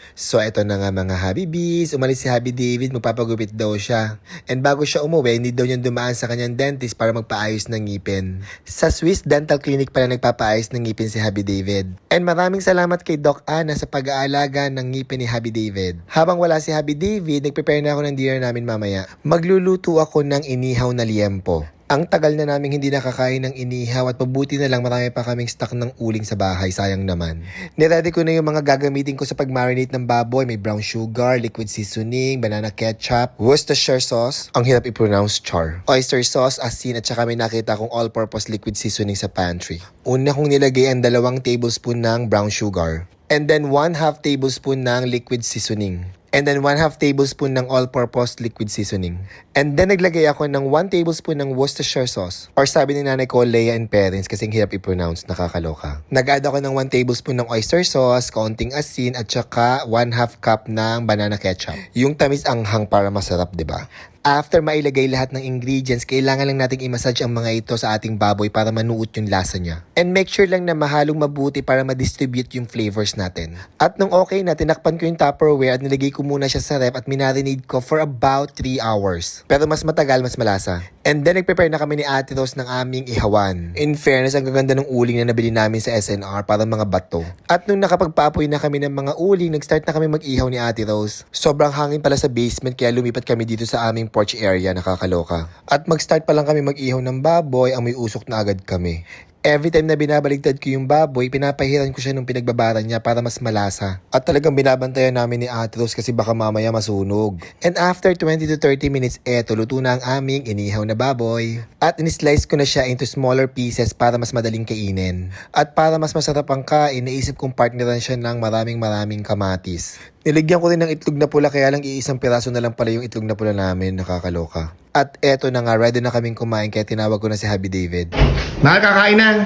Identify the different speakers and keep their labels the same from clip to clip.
Speaker 1: So eto na nga mga Habibis, umalis si Habi David, magpapagupit daw siya. And bago siya umuwi, hindi daw niya dumaan sa kanyang dentist para magpaayos ng ngipin. Sa Swiss Dental Clinic pala nagpapaayos ng ngipin si Habi David. And maraming salamat kay Doc Ana sa pag-aalaga ng ngipin ni Habi David. Habang wala si Habi David, nagprepare na ako ng dinner namin mamaya. Magluluto ako ng inihaw na liempo. Ang tagal na naming hindi nakakain ng inihaw at mabuti na lang marami pa kaming stock ng uling sa bahay, sayang naman. Niready ko na yung mga gagamitin ko sa pag-marinate ng baboy. May brown sugar, liquid seasoning, banana ketchup, Worcestershire sauce, ang hirap i-pronounce char, oyster sauce, asin at saka may nakita kong all-purpose liquid seasoning sa pantry. Una kong nilagay ang 2 tablespoon ng brown sugar. And then 1/2 tablespoon ng liquid seasoning. And then 1/2 tablespoon ng all-purpose liquid seasoning. And then naglagay ako ng 1 tablespoon ng Worcestershire sauce. Or sabi ni nanay ko, Leia and Parents, kasi hirap i-pronounce, nakakaloka. Nag-add ako ng 1 tablespoon ng oyster sauce, kaunting asin, at saka 1/2 cup ng banana ketchup. Yung tamis anghang para masarap, di ba? After mailagay lahat ng ingredients, kailangan lang nating i-massage ang mga ito sa ating baboy para manuot yung lasa niya. And make sure lang na mahalong mabuti para ma-distribute yung flavors natin. At nung okay na, tinakpan ko yung Tupperware at nilagay ko muna siya sa ref at minarinade ko for about 3 hours. Pero mas matagal, mas malasa. And then nag-prepare na kami ni Ate Rose ng aming ihawan. In fairness, ang gaganda ng uling na nabili namin sa SNR para mga bato. At nung nakapagpaapoy na kami ng mga uling, nag-start na kami mag-ihaw ni Ate Rose. Sobrang hangin pala sa basement kaya lumipat kami dito sa aming porch area, nakakaloka. At mag-start pa lang kami mag-ihaw ng baboy, amoy usok na agad kami. Every time na binabaligtad ko yung baboy, pinapahiran ko siya nung pinagbabaran niya para mas malasa. At talagang binabantayan namin ni Ate Rose kasi baka mamaya masunog. And after 20 to 30 minutes, eto, luto na ang aming inihaw na baboy. At in-slice ko na siya into smaller pieces para mas madaling kainin. At para mas masarap ang kain, naisip kong partneran siya ng maraming kamatis. Niligyan ko rin ng itlog na pula kaya lang iisang piraso na lang pala yung itlog na pula namin, nakakaloka. At eto na nga, ready na kaming kumain kaya tinawag ko na si Habi David. Nakakakain na!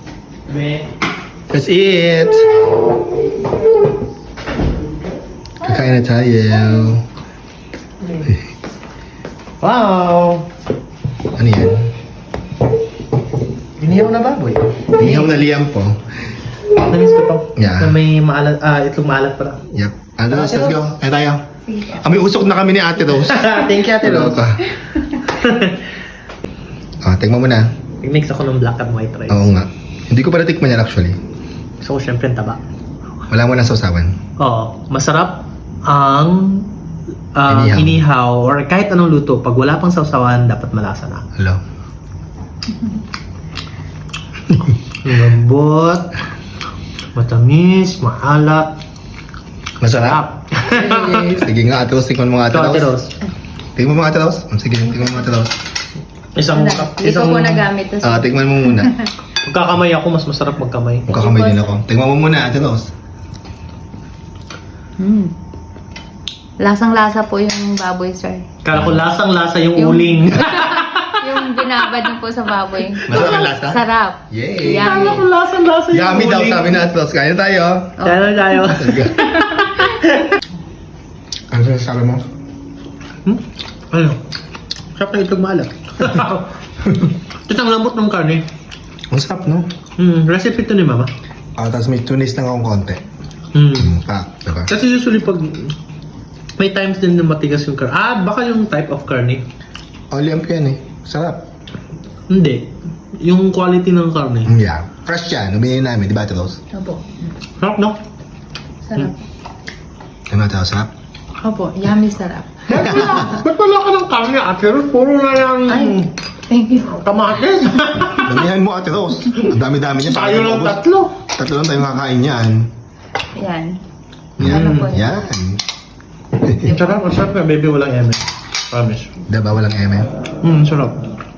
Speaker 1: Let's eat! Kakain na tayo.
Speaker 2: Wow!
Speaker 1: Ano yan?
Speaker 2: Inihaw na baboy.
Speaker 1: Inihaw na liempo.
Speaker 2: Namis ko to.
Speaker 1: Yeah.
Speaker 2: Na may maalat, itlog maalat pala.
Speaker 1: Yep. Ano, let's go. Ay tayo. May usok na kami ni Ate Rose.
Speaker 2: Thank you, Ate Rose.
Speaker 1: Tingnan mo na.
Speaker 2: Nag-mix ako ng black and white rice.
Speaker 1: Oo nga. Hindi ko pala tikman yan actually.
Speaker 2: So, syempre, ang taba.
Speaker 1: Wala mo na sausawan.
Speaker 2: Oo. Masarap ang
Speaker 1: Inihaw.
Speaker 2: inihaw or kahit anong luto. Pag wala pang sausawan, dapat malasa na.
Speaker 1: Hello.
Speaker 2: Lambot, matamis, maalat.
Speaker 1: Masarap. Sige nga, Ate Rose. Tingnan mo nga, Ate
Speaker 2: Ito, Ate
Speaker 1: Rose.
Speaker 2: Rose.
Speaker 1: Tingnan mo mga Ate Rose. Sige, tingnan mo mga Ate Rose.
Speaker 2: Isang
Speaker 3: Hindi ko po nagamit to.
Speaker 1: Tingnan mo muna.
Speaker 2: Pagkakamay ako, mas masarap magkamay.
Speaker 1: Magkakamay din ako. Tingnan mo muna, Ate Rose.
Speaker 3: Lasang-lasa po yung baboy, sir.
Speaker 2: Kala ko lasang-lasa yung
Speaker 3: Yung-
Speaker 2: uling.
Speaker 3: Yung binabad niyo po sa baboy.
Speaker 1: Masarap ang lasa?
Speaker 3: Sarap.
Speaker 1: Yay!
Speaker 3: Yummy.
Speaker 2: Kala ko lasang-lasa yung
Speaker 1: Yummy daw,
Speaker 2: uling.
Speaker 1: sabi na Ate Rose. Kain na tayo.
Speaker 2: Kaya na tayo.
Speaker 1: Ano sabi mo?
Speaker 2: Ano? Sarap ng itlog maalat. Ito ang lambot ng karne.
Speaker 1: Ang sarap, no?
Speaker 2: Recipe to ni Mama.
Speaker 1: Tapos may tunis lang akong konti. Diba?
Speaker 2: Kasi usually pag may times din na matigas yung karne. Baka yung type of karne.
Speaker 1: Liempo yan eh. Sarap.
Speaker 2: Hindi. Yung quality ng karne.
Speaker 1: Yeah. Fresh yan. Numili namin, di ba, Ate Rose?
Speaker 3: Opo.
Speaker 2: Sarap, no?
Speaker 3: Sarap.
Speaker 1: Di ba, Ate Rose? Sarap?
Speaker 3: Opo. Yummy sarap.
Speaker 2: Ba't wala ka ng karne, Ate Rose? Puro na yung
Speaker 3: Ay, thank you.
Speaker 2: kamatis.
Speaker 1: Damihan mo, Ate Rose. Ang dami-dami niya.
Speaker 2: Tayo lang tatlo.
Speaker 1: Tatlo lang tayong kakain yan.
Speaker 3: Yan.
Speaker 1: Yan.
Speaker 3: Ano po yan?
Speaker 1: Yan.
Speaker 2: Ang sarap na baby, walang eme. Promise.
Speaker 1: Diba, walang eme?
Speaker 2: Sarap.